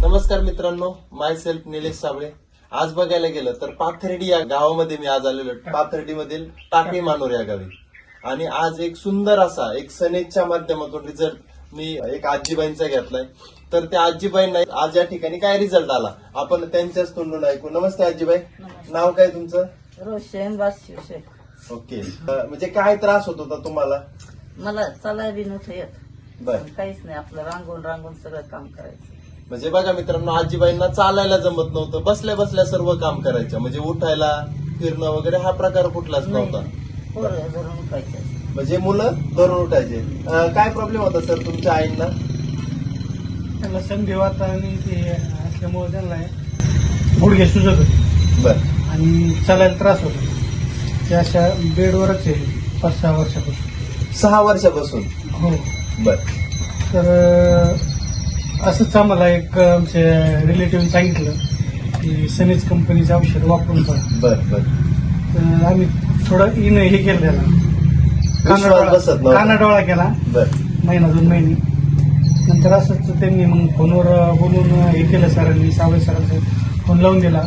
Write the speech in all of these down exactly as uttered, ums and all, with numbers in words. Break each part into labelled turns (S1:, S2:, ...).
S1: नमस्कार मित्रांनो, माय सेल्फ निलेश साबळे. आज बघायला गेलं तर पाथर्डी या गावामध्ये मी आज आलेलो. पाथर्डी मधील टाकळी मानोर या गावी. आणि आज एक सुंदर असा एक सनेजच्या माध्यमातून रिझल्ट मी एक आजीबाईंचा घेतलाय. तर त्या आजीबाईंना आज या ठिकाणी काय रिझल्ट आला आपण त्यांच्याच तोंडून ऐकू. नमस्ते आजीबाई, नाव काय तुमचं?
S2: रोशन बादशिवशे.
S1: ओके, म्हणजे काय त्रास होत होता तुम्हाला?
S2: मला चालाय बी नव्हतं येत.
S1: बर,
S2: काहीच नाही, आपलं रांगून रांगून सगळं काम करायचं.
S1: म्हणजे बघा मित्रांनो, आजीबाईंना चालायला जमत नव्हतं, बसल्या बसल्या सर्व काम करायचं. म्हणजे उठायला फिरणं वगैरे हा प्रकार कुठलाच नव्हता.
S2: पोरं धरून उठायचं.
S1: म्हणजे मुलं धरून उठायचे. अं, काय प्रॉब्लेम होता सर तुमच्या आईंना?
S3: त्यांना संधिवात आणि ते असल्यामुळे त्यांना गुडघे सुजत होते
S1: बर,
S3: आणि चालायला त्रास होतो. ते अशा बेडवरच आहे पाच सहा वर्षापासून.
S1: सहा वर्षापासून?
S3: हो.
S1: बर,
S3: तर असंच आम्हाला एक आमच्या रिलेटिव्ह सांगितलं की सनेज कंपनीचं औषध वापरून पहा.
S1: बर बर.
S3: तर आम्ही थोडं इन हे केलं त्याला,
S1: विश्वास बसत नव्हता.
S3: कानाडोळा केला
S1: बर,
S3: महिना दोन महिने. नंतर असंच त्यांनी मग फोनवर बोलून हे केलं सरांनी, सावळे सरांचा फोन लावून दिला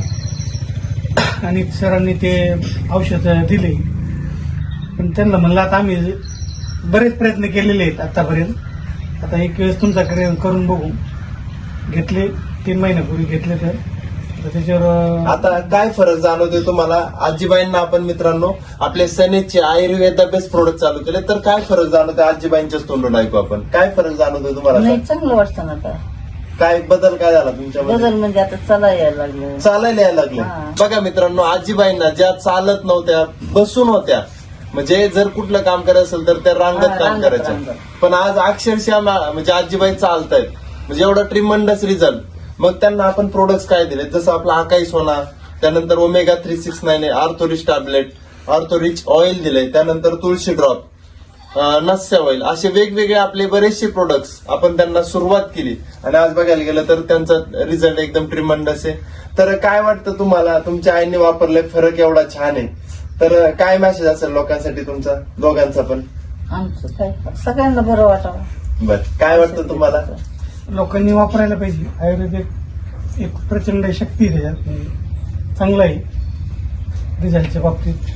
S3: आणि सरांनी ते औषध दिले. पण त्यांना म्हणलं आता आम्ही बरेच प्रयत्न केलेले आहेत आतापर्यंत, आता एक वेळेस तुमच्याकडे करून बघू. घेतले तीन महिन्यापूर्वी घेतले. तर तर त्याच्यावर
S1: आता काय फरक जाणवतोय तुम्हाला? आजीबाईंना आपण मित्रांनो आपले सनेजचे आयुर्वेदा बेस्ट प्रोडक्ट चालू केले, तर काय फरक जाणवतोय आजीबाईंच्याच तोंडून ऐकू आपण. काय फरक जाणवतोय तुम्हाला?
S2: नाही, चांगलं वाटतं ना आता.
S1: काय बदल काय झाला तुमच्यामध्ये?
S2: बदल म्हणजे आता चला यायला लागलं.
S1: चालायला यायला लागले.
S2: हा.
S1: बघा मित्रांनो, आजीबाईंना ज्या चालत नव्हत्या, बसून होत्या, म्हणजे जर कुठलं काम करायचं असेल तर त्या रांगत
S2: हा,
S1: काम
S2: रांगत,
S1: करायचं.
S2: रांगत.
S1: पण आज अक्षरशः मा- म्हणजे आजीबाई चालतायत, म्हणजे एवढा ट्रिमंडस रिझल्ट. मग त्यांना आपण प्रोडक्ट्स काय दिले, जसं आपला आकाई सोना, त्यानंतर omega three six nine Orthorich tablet, Orthorich oil दिले, त्यानंतर तुळशी ड्रॉप, नस्या ऑइल, असे वेगवेगळे आपले बरेचसे प्रोडक्ट्स आपण त्यांना सुरुवात केली. आणि आज बघायला गेलं तर त्यांचा रिझल्ट एकदम ट्रिमंडस आहे. तर काय वाटतं तुम्हाला? तुमच्या आईने वापरले, फरक एवढा छान आहे, तर काय मेसेज असेल लोकांसाठी तुमचा, दोघांचा पण?
S2: आमचं काय सगळ्यांना बरं वाटावं.
S1: बर, काय वाटतं तुम्हाला?
S3: लोकांनी वापरायला पाहिजे. आयुर्वेदिक एक प्रचंड शक्ती आहे त्याच्यात, चांगलं आहे रिझल्टच्या बाबतीत.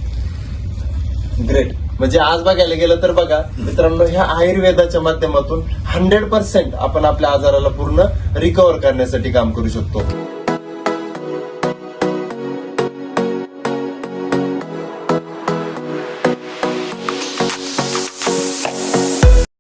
S1: ग्रेट. म्हणजे आज बघायला गेलं तर बघा मित्रांनो, ह्या आयुर्वेदाच्या माध्यमातून हंड्रेड पर्सेंट आपण आपल्या आजाराला पूर्ण रिकव्हर करण्यासाठी काम करू शकतो.